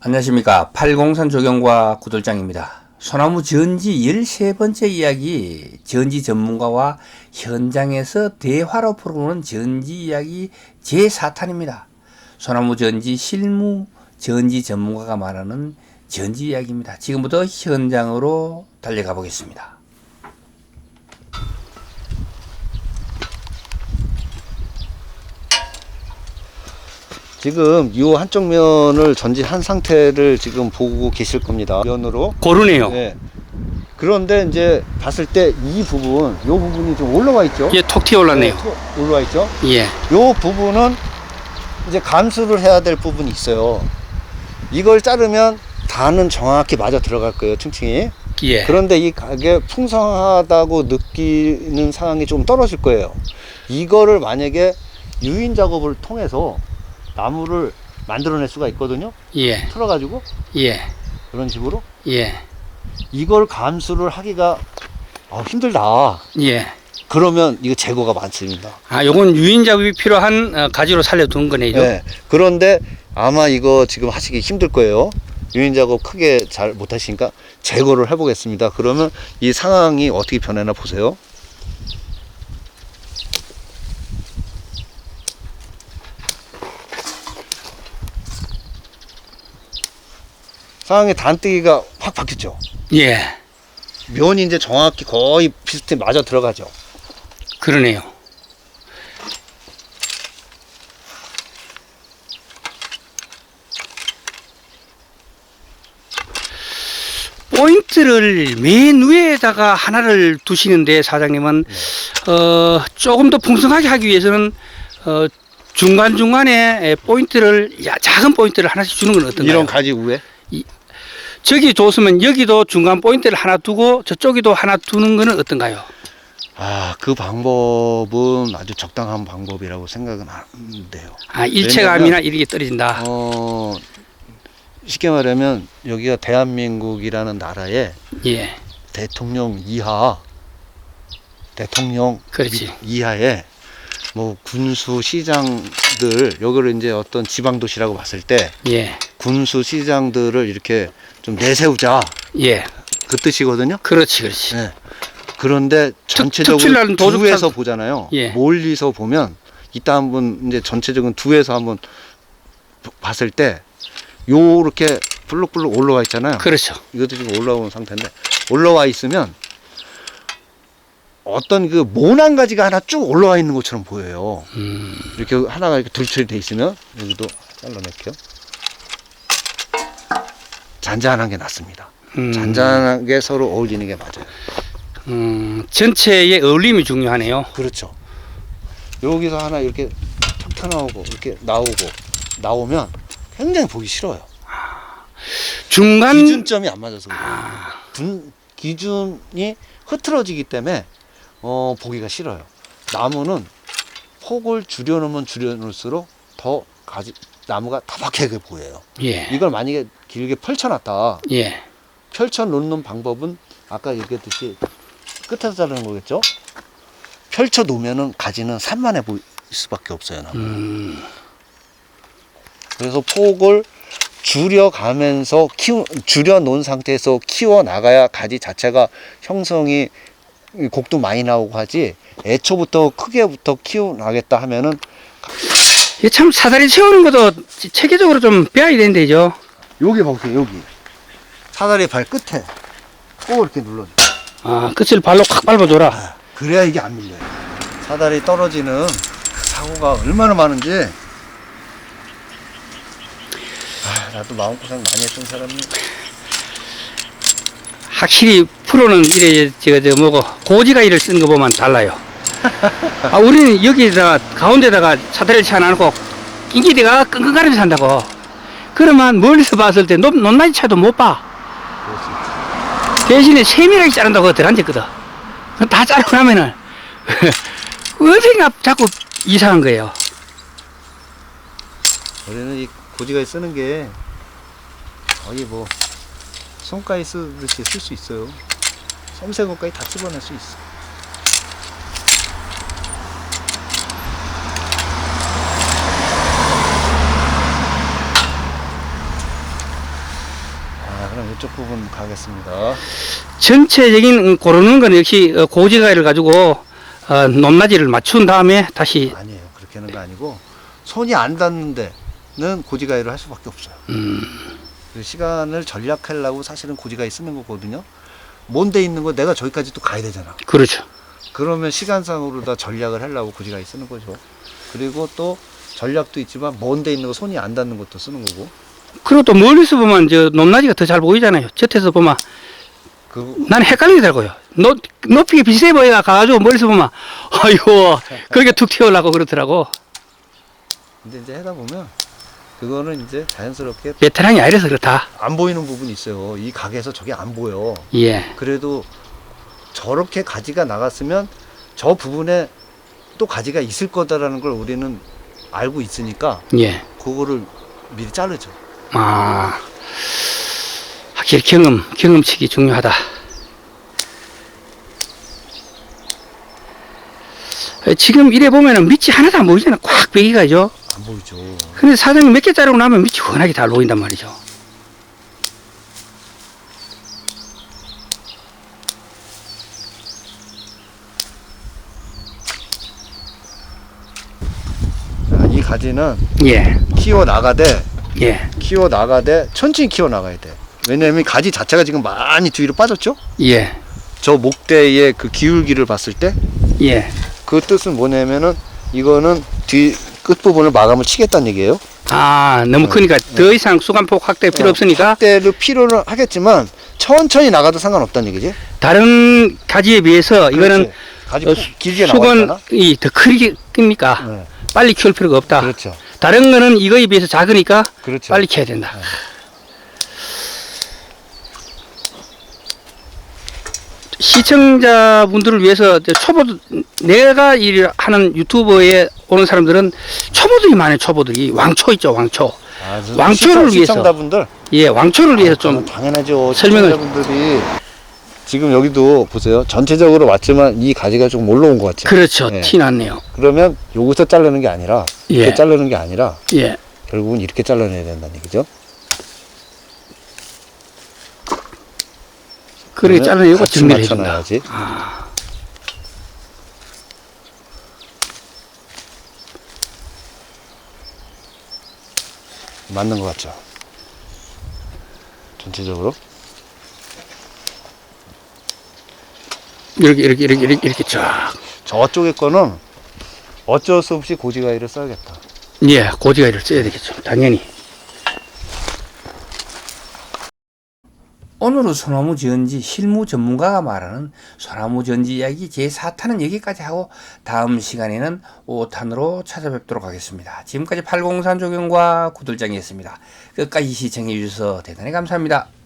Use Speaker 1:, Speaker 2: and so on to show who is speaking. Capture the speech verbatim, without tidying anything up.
Speaker 1: 안녕하십니까. 팔공산 조경과 구돌장입니다. 소나무 전지 열세 번째 이야기, 전지 전문가와 현장에서 대화로 풀어보는 전지 이야기 제사 탄입니다. 소나무 전지 실무 전지 전문가가 말하는 전지 이야기입니다. 지금부터 현장으로 달려가 보겠습니다.
Speaker 2: 지금 이 한쪽 면을 전지한 상태를 지금 보고 계실 겁니다. 면으로.
Speaker 3: 고르네요.
Speaker 2: 네. 그런데 이제 봤을 때 이 부분, 이 부분이 좀 올라와 있죠?
Speaker 3: 예, 톡 튀어 올랐네요.
Speaker 2: 네, 툭 올라와 있죠?
Speaker 3: 예.
Speaker 2: 이 부분은 이제 감수를 해야 될 부분이 있어요. 이걸 자르면 단은 정확히 맞아 들어갈 거예요, 층층이.
Speaker 3: 예.
Speaker 2: 그런데 이 가게 풍성하다고 느끼는 상황이 좀 떨어질 거예요. 이거를 만약에 유인 작업을 통해서 나무를 만들어낼 수가 있거든요.
Speaker 3: 예.
Speaker 2: 틀어가지고
Speaker 3: 예.
Speaker 2: 그런 식으로
Speaker 3: 예.
Speaker 2: 이걸 감수를 하기가 아, 힘들다.
Speaker 3: 예.
Speaker 2: 그러면 이거 재고가 많습니다.
Speaker 3: 아, 요건 유인 작업이 필요한 어, 가지로 살려둔 거네요.
Speaker 2: 네. 그런데 아마 이거 지금 하시기 힘들 거예요. 유인 작업 크게 잘 못하시니까 재고를 해보겠습니다. 그러면 이 상황이 어떻게 변하나 보세요. 상황의 단뜨기가 확 바뀌었죠.
Speaker 3: 예.
Speaker 2: 면이 이제 정확히 거의 비슷해 맞아 들어가죠.
Speaker 3: 그러네요. 포인트를 맨 위에다가 하나를 두시는데 사장님은
Speaker 2: 네.
Speaker 3: 어, 조금 더 풍성하게 하기 위해서는 어, 중간중간에 포인트를 야, 작은 포인트를 하나씩 주는 건 어떤가요?
Speaker 2: 이런 가지 위에
Speaker 3: 저기 줬으면 여기도 중간 포인트를 하나 두고 저쪽에도 하나 두는 거는 어떤가요?
Speaker 2: 아, 그 방법은 아주 적당한 방법이라고 생각은 하는데요.
Speaker 3: 아, 일체감이나 이런 게 떨어진다.
Speaker 2: 어, 쉽게 말하면 여기가 대한민국이라는 나라의
Speaker 3: 예.
Speaker 2: 대통령 이하, 대통령
Speaker 3: 그렇지.
Speaker 2: 미- 이하의 뭐 군수 시장들, 여기를 이제 어떤 지방 도시라고 봤을 때
Speaker 3: 예.
Speaker 2: 군수 시장들을 이렇게 좀 내세우자,
Speaker 3: 예.
Speaker 2: 그 뜻이거든요.
Speaker 3: 그렇지, 그렇지.
Speaker 2: 네. 그런데 전체적으로
Speaker 3: 특출나는 도둑
Speaker 2: 두에서
Speaker 3: 참-
Speaker 2: 보잖아요.
Speaker 3: 예.
Speaker 2: 멀리서 보면 이따 한번 이제 전체적인 두에서 한번 봤을 때 요렇게 블록블록 올라와 있잖아요.
Speaker 3: 그렇죠.
Speaker 2: 이것도 지금 올라온 상태인데 올라와 있으면 어떤 그 모난 가지가 하나 쭉 올라와 있는 것처럼 보여요.
Speaker 3: 음.
Speaker 2: 이렇게 하나가 이렇게 둘처리 돼 있으면 여기도 잘라낼게요. 잔잔한 게 낫습니다.
Speaker 3: 음.
Speaker 2: 잔잔하게 서로 어울리는 게 맞아요.
Speaker 3: 음, 전체의 어울림이 중요하네요.
Speaker 2: 그렇죠. 여기서 하나 이렇게 탁 튀어나오고 이렇게 나오고 나오면 굉장히 보기 싫어요.
Speaker 3: 중간
Speaker 2: 기준점이 안 맞아서 그래요.
Speaker 3: 아,
Speaker 2: 분, 기준이 흐트러지기 때문에 어, 보기가 싫어요. 나무는 폭을 줄여놓으면 줄여놓을수록 더 가지, 나무가 타박하게 보여요.
Speaker 3: 예.
Speaker 2: 이걸 만약에 길게 펼쳐놨다.
Speaker 3: 예.
Speaker 2: 펼쳐놓는 방법은 아까 얘기했듯이 끝에서 자르는 거겠죠? 펼쳐놓으면은 가지는 산만해 보일 수밖에 없어요. 나무.
Speaker 3: 음.
Speaker 2: 그래서 폭을 줄여가면서 키우, 줄여놓은 상태에서 키워나가야 가지 자체가 형성이 곡도 많이 나오고 하지, 애초부터 크게부터 키워나겠다 하면은
Speaker 3: 이게 참 사다리 세우는 것도 체계적으로 좀 배워야 되는데죠.
Speaker 2: 여기 보세요. 여기 사다리 발 끝에 꼭 이렇게 눌러줘.
Speaker 3: 아, 끝을 발로 콱 밟아줘라.
Speaker 2: 그래야 이게 안 밀려요. 사다리 떨어지는 사고가 얼마나 많은지. 아, 나도 마음고생 많이 했던 사람이.
Speaker 3: 확실히 프로는 이래 제가 저 뭐고 고지가 이를 쓴 거 보면 달라요. 아, 우리는 여기다가 가운데다가 사다리를 쳐놔놓고 인기대가 끙끙거리면서 산다고. 그러면 멀리서 봤을 때 높, 높낮이 차도 못 봐. 대신에 세밀하게 자른다고 그거 들어앉았거든. 다 자르고 나면은 어디가 자꾸 이상한 거예요.
Speaker 2: 우리는 이 고지가위 쓰는 게 거의 뭐 손가위 쓰듯이 쓸 수 있어요. 섬세고까지 다 집어낼 수 있어. 그러면 이쪽 부분 가겠습니다.
Speaker 3: 전체적인 고르는 건 역시 어, 고지가위를 가지고 어, 높낮이를 맞춘 다음에 다시
Speaker 2: 아니에요. 그렇게 하는 거 아니고 손이 안 닿는 데는 고지가위를 할 수밖에 없어요.
Speaker 3: 음,
Speaker 2: 그 시간을 절약하려고 사실은 고지가위 쓰는 거거든요. 먼 데 있는 거 내가 저기까지 또 가야 되잖아.
Speaker 3: 그렇죠.
Speaker 2: 그러면 시간상으로 다 전략을 하려고 고지가위 쓰는 거죠. 그리고 또 전략도 있지만 먼 데 있는 거 손이 안 닿는 것도 쓰는 거고.
Speaker 3: 그리고 또 멀리서 보면 저 높낮이가 더 잘 보이잖아요. 저태서 보면
Speaker 2: 그
Speaker 3: 나는 헷갈리더라고요. 높, 높이가 비슷해 보여 가가지고 멀리서 보면 아이고 그렇게 툭 튀어나오고 그러더라고.
Speaker 2: 근데 이제 하다 보면 그거는 이제 자연스럽게
Speaker 3: 베테랑이 아니라서 그렇다.
Speaker 2: 안 보이는 부분이 있어요. 이 가게에서 저게 안 보여.
Speaker 3: 예.
Speaker 2: 그래도 저렇게 가지가 나갔으면 저 부분에 또 가지가 있을 거다라는 걸 우리는 알고 있으니까
Speaker 3: 예.
Speaker 2: 그거를 미리 자르죠.
Speaker 3: 아, 확실히 경험, 경험치기 중요하다. 지금 이래 보면은 밑이 하나도 안 보이잖아. 꽉 베기가죠.
Speaker 2: 안 보이죠.
Speaker 3: 근데 사장님 몇 개 자르고 나면 밑이 훤하게 잘 보인단 말이죠.
Speaker 2: 자, 이 가지는
Speaker 3: 예,
Speaker 2: 키워 나가되
Speaker 3: 예,
Speaker 2: 키워 나가되 천천히 키워 나가야 돼. 왜냐면 가지 자체가 지금 많이 뒤로 빠졌죠.
Speaker 3: 예,
Speaker 2: 저 목대의 그 기울기를 봤을 때
Speaker 3: 예.
Speaker 2: 그 뜻은 뭐냐면은 이거는 뒤 끝부분을 마감을 치겠다는 얘기예요.
Speaker 3: 아, 너무 크니까 더 이상 수간폭 확대 필요 없으니까
Speaker 2: 확대를 필요는 하겠지만 천천히 나가도 상관없다는 얘기지.
Speaker 3: 다른 가지에 비해서 이거는
Speaker 2: 가지
Speaker 3: 어,
Speaker 2: 푹 길게 나와 있잖아.
Speaker 3: 수건이 더 크게 큽니까?
Speaker 2: 네.
Speaker 3: 빨리 키울 필요가 없다.
Speaker 2: 그렇죠.
Speaker 3: 다른 거는 이거에 비해서 작으니까
Speaker 2: 그렇죠.
Speaker 3: 빨리 키워야 된다.
Speaker 2: 네.
Speaker 3: 시청자분들을 위해서 저 초보 내가 일 하는 유튜버에 오는 사람들은 초보들이 많아요. 초보들이 왕초 있죠. 왕초.
Speaker 2: 아,
Speaker 3: 왕초를
Speaker 2: 시청,
Speaker 3: 위해서.
Speaker 2: 시청자분들
Speaker 3: 예, 왕초를 위해서
Speaker 2: 아,
Speaker 3: 좀
Speaker 2: 당연하죠.
Speaker 3: 설명을-
Speaker 2: 시청자분들이 지금 여기도 보세요. 전체적으로 왔지만 이 가지가 좀 올라온 것 같죠.
Speaker 3: 그렇죠.
Speaker 2: 네.
Speaker 3: 티 났네요.
Speaker 2: 그러면 여기서 자르는 게 아니라 이렇게
Speaker 3: 예.
Speaker 2: 자르는 게 아니라
Speaker 3: 예.
Speaker 2: 결국은 이렇게 잘라내야 된다는 얘기죠.
Speaker 3: 그렇게
Speaker 2: 그러면
Speaker 3: 잘라내고
Speaker 2: 같이
Speaker 3: 정리를 해준다.
Speaker 2: 맞춰놔야지.
Speaker 3: 아,
Speaker 2: 맞는 것 같죠. 전체적으로.
Speaker 3: 이렇게 이렇게 이렇게 이렇게 이렇게 쫙.
Speaker 2: 저쪽에 거는 어쩔 수 없이 고지가위를 써야겠다.
Speaker 3: 예, 고지가위를 써야 되겠죠. 당연히.
Speaker 1: 오늘은 소나무 지은지 실무 전문가가 말하는 소나무 지은지 이야기 제사 탄은 여기까지 하고 다음 시간에는 오 탄으로 찾아뵙도록 하겠습니다. 지금까지 팔공산 조경과 구들장이었습니다. 끝까지 시청해 주셔서 대단히 감사합니다.